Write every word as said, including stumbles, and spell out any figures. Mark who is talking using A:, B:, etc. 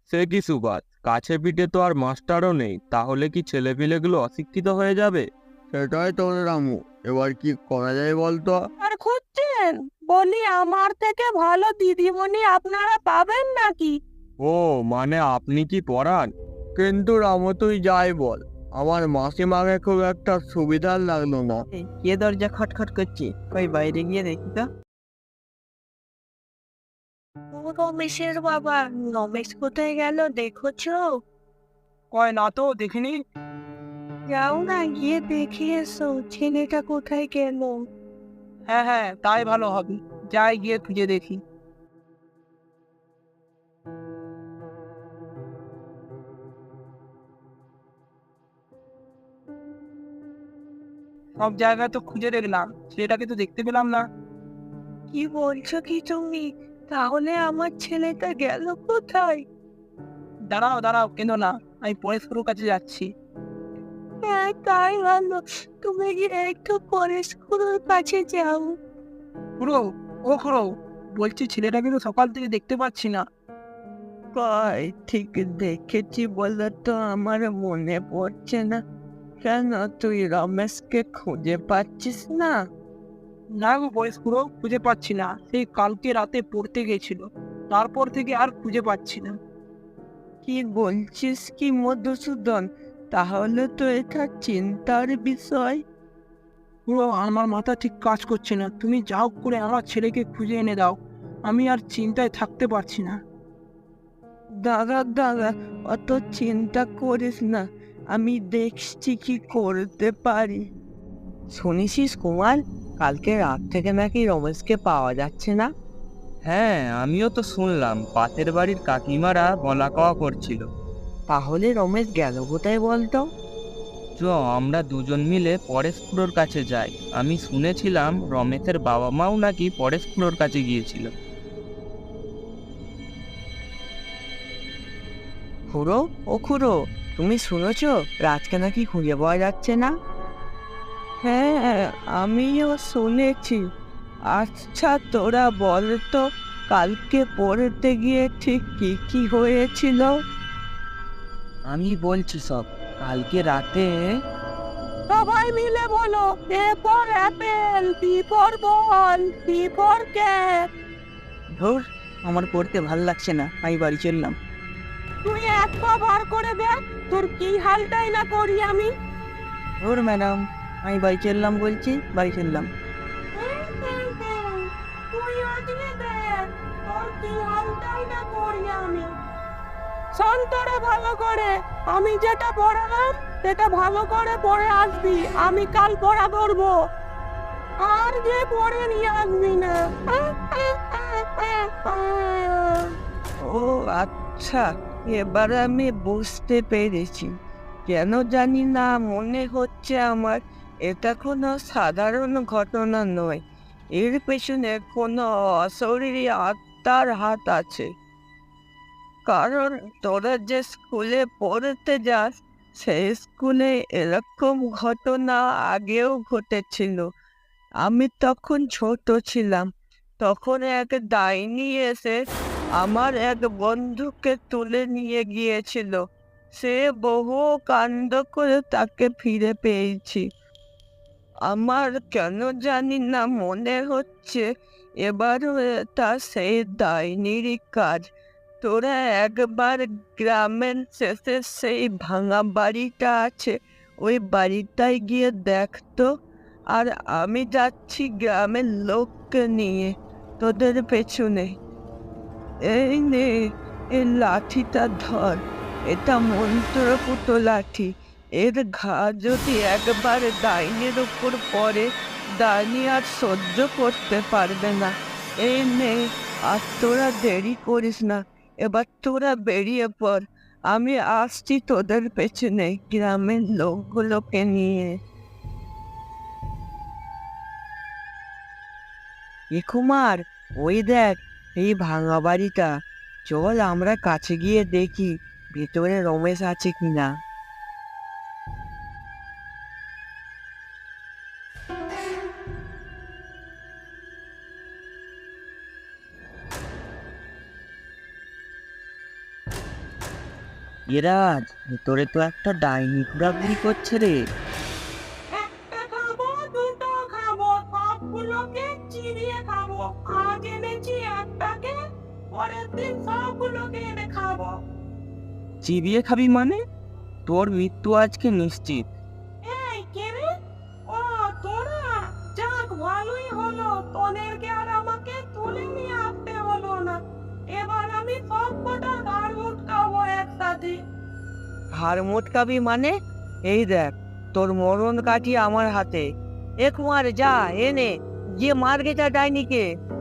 A: সে কি সুবাদ, কাছে পিঠে তো আর মাস্টারও নেই, তাহলে কি ছেলেপিলেগুলো অশিক্ষিত হয়ে যাবে?
B: সেটাই তো রে রামু, এবার কি করা যায় বলতো?
C: আর খুঁজছেন? বলি আমার থেকে ভালো দিদিমণি আপনারা পাবেন নাকি?
A: ও, মানে আপনি কি পড়ান?
B: কিন্তু রামু তুই যাই বল, আমার মাসিমাকে খুব একটা সুবিধার লাগলো না।
D: এই, কে দরজা খটখট করছে? কই বাইরে গিয়ে দেখি তো।
C: ও রমেশের বাবা, রমেশ কোথায় গেল দেখেছো?
D: কয় না তো, দেখিনি।
C: যাও না, গিয়ে দেখে এসো ছেলেটা কোথায় গেল।
D: হ্যাঁ হ্যাঁ, তাই ভালো হবে। যাই গিয়ে খুঁজে দেখি। সব জায়গায় তো খুঁজে দেখলাম, ছেলেটাকে তো দেখতে পেলাম না।
C: কি বলছো কি তুমি? তাহলে আমার ছেলেটা গেল কোথায়?
D: দাঁড়াও দাঁড়াও, কেন না, আমি পরেশপুরের কাছে যাচ্ছি।
C: হ্যাঁ, তাই ভালো। তুমি গিয়ে একটু পরে স্কুলের কাছে যাও।
D: খুড়ো, ও খুড়ো, বলছি ছেলেটাকে তো সকাল থেকে দেখতে পাচ্ছি না।
C: কই ঠিক দেখেছি বলে তো আমার মনে পড়ছে না। কেন, তুই রমেশকে খুঁজে পাচ্ছিস না?
D: না গো বয়স খুড়ো, খুঁজে পাচ্ছি না। সেই কালকে রাতে পড়তে গেছিল, তারপর থেকে আর খুঁজে পাচ্ছি না।
C: কি বলছিস কি মধুসূদন? তাহলে তো এটা চিন্তার বিষয়।
D: পুরো আমার মাথা ঠিক কাজ করছে না। তুমি যা হোক করে আমার ছেলেকে খুঁজে এনে দাও, আমি আর চিন্তায় থাকতে পারছি না।
C: দাদা দাদা, অত চিন্তা করিস না, আমি দেখছি কি করতে পারি। শুনেছিস কুমার, কালকে রাত থেকে নাকি রমেশকে পাওয়া যাচ্ছে না?
A: হ্যাঁ, আমিও তো শুনলাম, পাশের বাড়ির কাকিমারা বলা কওয়া করছিল।
C: তাহলে রমেশ গেল কোথায় বলতো?
A: চ, আমরা দুজন মিলে পরেশপুরোর কাছে যাই। আমি শুনেছিলাম রমেশের বাবা মাও নাকি পরেশপুরোর কাছে গিয়েছিল।
C: খুড়ো, ও খুড়ো, তুমি শুনেছ রাজকে নাকি খুঁজে পাওয়া যাচ্ছে না? হ্যাঁ, আমিও শুনেছি। আচ্ছা তোরা বল তো, কালকে পড়তে গিয়ে ঠিক কি কি হয়েছিল?
A: আমি বলছি সব। কালকে রাতে
C: সবাই মিলে বলো। A for apple, B for ball, C for cat.
D: ধুর, আমার পড়তে ভাল লাগছে না, আমি বাড়ি চললাম।
C: তুই এক পা বার করে দেখ, তোর কি হালটাই না করি আমি।
D: ধুর ম্যাডাম, আমি বাড়ি চললাম বলছি, বাড়ি চললাম।
C: তুই ওদিকে দেখ, তোর কি হালটাই না করি আমি। শোন তোরা ভালো করে, আমি যেটা পড়ালাম সেটা ভালো করে পড়ে আসবি। আমি কাল পড়া ধরবো, আর যে পড়ে নিয়ে আসবি না। ও আচ্ছা, এবার আমি বুঝতে পেরেছি। কেন জানি না মনে হচ্ছে আমার এটা কোনো সাধারণ ঘটনা নয়, এর পেছনে কোনো অশরীরী আত্মার হাত আছে। কারণ তোরা যে স্কুলে পড়তে যাস, সেই স্কুলে এরকম ঘটনা আগেও ঘটেছিল। আমি তখন ছোট ছিলাম, তখন এক ডাইনি এসে আমার এক বন্ধুকে তুলে নিয়ে গিয়েছিল। সে বহু কাণ্ড করে তাকে ফিরে পেয়েছি। আমার কেন জানি না মনে হচ্ছে এবারও এটা সেই ডাইনিরই কাজ। তোরা একবার গ্রামের শেষে সেই ভাঙা বাড়িটা আছে, ওই বাড়িটায় গিয়ে দেখতো। আর আমি যাচ্ছি গ্রামের লোককে নিয়ে তোদের পেছনে। এই নে, এই লাঠিটা ধর, এটা মন্ত্রপুত লাঠি। এর ঘা যদি একবার ডাইনির উপর পড়ে, ডাইনি আর সহ্য করতে পারবে না। এই নে, আর তোরা দেরি করিস না, এবার তোরা বেরিয়ে পড়। আমি আসছি তোদের পেছনে গ্রামের লোকগুলোকে নিয়ে। এ কুমার, ওই দেখ এই ভাঙা বাড়িটা। চল আমরা কাছে গিয়ে দেখি ভেতরে রমেশ আছে কিনা।
A: এরাজ, ভেতরে তো একটা ডাইনি ঘোরাঘুরি করছে রে।
C: একটা খাবো, দুটো খাবো, সবগুলোকে চিবিয়ে খাবো। আজ এনেছি একটাকে, পরের দিন সবগুলোকে এনে খাবো।
A: চিবিয়ে খাবি মানে? তোর মৃত্যু আজকে নিশ্চিত।
C: এই কে রে? ও তোরা, যাক ভালোই হলো, তোদেরকে আর আমাকে তুলে নিয়ে আসতে হলো না। এবার আমি সব কটা ঘাড় মুটকাবো একসাথে। ঘাড় মুটকাবি মানে? এই দেখ, তোর মরণ কাঠি আমার হাতে। এক মার, যা এনে গিয়ে মার গেটা ডাইনিকে।